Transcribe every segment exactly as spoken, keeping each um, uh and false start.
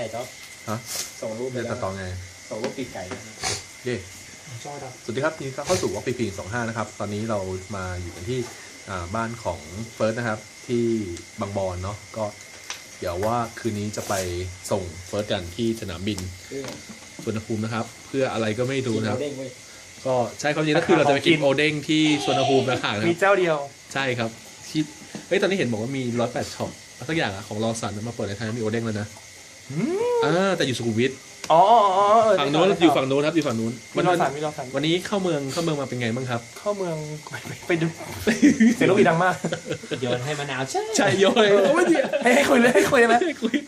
จ๊อบฮะส่งรูปไปจะแล้ตัวดต่อไงส่งรูปปีกไก่เย่สวัสดีครับนี่ก็เข้าสู่วอล์กปีพีสองห้านะครับตอนนี้เรามาอยู่กันที่บ้านของเฟิร์สนะครับที่บางบอนเนาะก็เดี๋ยวว่าคืนนี้จะไปส่งเฟิร์สกันที่สนามบินสุวรรณภูมินะครับเพื่ออะไรก็ไม่รู้นะครับก็ใช่ความจริงก็คือเราจะไปกินโอเด้งที่สุวรรณภูมินะครับมีเจ้าเดียวใช่ครับที่เฮ้ยตอนนี้เห็นบอกว่ามีร้อยแปดช็อปสักอย่างอะของรอสันมาเปิดในไทยมีโอเด้งแล้วนะอ่าแต่อยู่สุขุมวิทอ๋อฝั่งนู้นอยู่ฝั่งนู้นครับอยู่ฝั่งนู้นมีรอสันมีรอสันวันนี้เข้าเมืองเข้าเมืองมาเป็นไงบ้างครับเข้าเมืองไปดูเสียงลูกอีดังมากโยนให้มะนาวใช่ใช่โยนไม่ดีให้ให้คุยเลยให้คุยได้ไหมคุย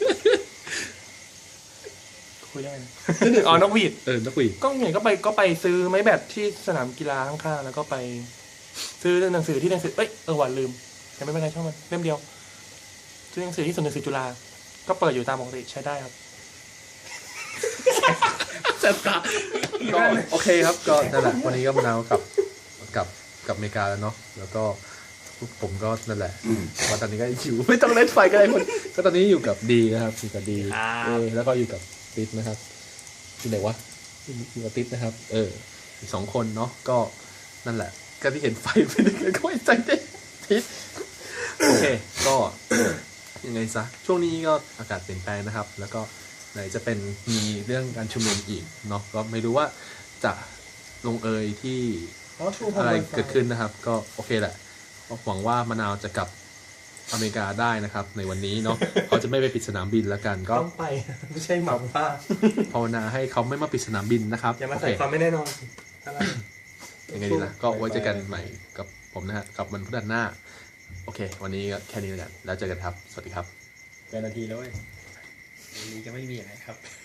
คุยได้อ๋อนกหวีดเออนกหวีดก็เห็นก็ไปก็ไปซื้อไม้แบตที่สนามกีฬาข้างๆแล้วก็ไปซื้อหนังสือที่หนังสือเอ้ยเออหวานลืมแต่ไม่เป็นไรช่างมันเล่มเดียวซื้อหนังสือที่ศูนย์หนังสือจุฬาก็เปิดอยู่ตามปกติใช้ได้ครับเจ็บตาก็โอเคครับก็นั่นแหละวันนี้ก็มานาวกับกับกับอเมริกาแล้วเนาะแล้วก็ผมก็นั่นแหละวันตอนนี้ก็อยู่ไม่ต้องเล่นไฟกันเลยคนก็ตอนนี้อยู่กับดีนะครับอยู่กับดีเออแล้วก็อยู่กับติ๊ดนะครับที่ไหนวะอยู่กับติ๊ดนะครับเอออีกสองคนเนาะก็นั่นแหละก็ที่เห็นไฟไปนึกก็ไม่ใจได้ติ๊ดโอเคก็ยังไงซะช่วงนี้ก็อากาศเปลี่ยนแปลงนะครับแล้วก็ไหนจะเป็นมีเรื่องการชุมนุมอีกเนาะก็ไม่รู้ว่าจะลงเอยที่อะไรเกิดขึ้นนะครับก็โอเคแหละหวังว่ามะนาวจะกลับอเมริกาได้นะครับในวันนี้เนาะเขาจะไม่ไปปิดสนามบินแล้วกันก็ต้องไปไม่ใช่หมาว่าภาวนาให้เขาไม่มาปิดสนามบินนะครับอย่ามาใส่ความไม่แน่นอนอะไรยังไงดีล่ะก็ไว้เจอกันใหม่กับผมนะฮะกับวันพฤหัสหน้าโอเควันนี้ก็แค่นี้แล้วกันแล้วเจอกันครับสวัสดีครับเป็นนาทีแล้วเว้ยวันนี้ก็ไม่มีอะไรครับ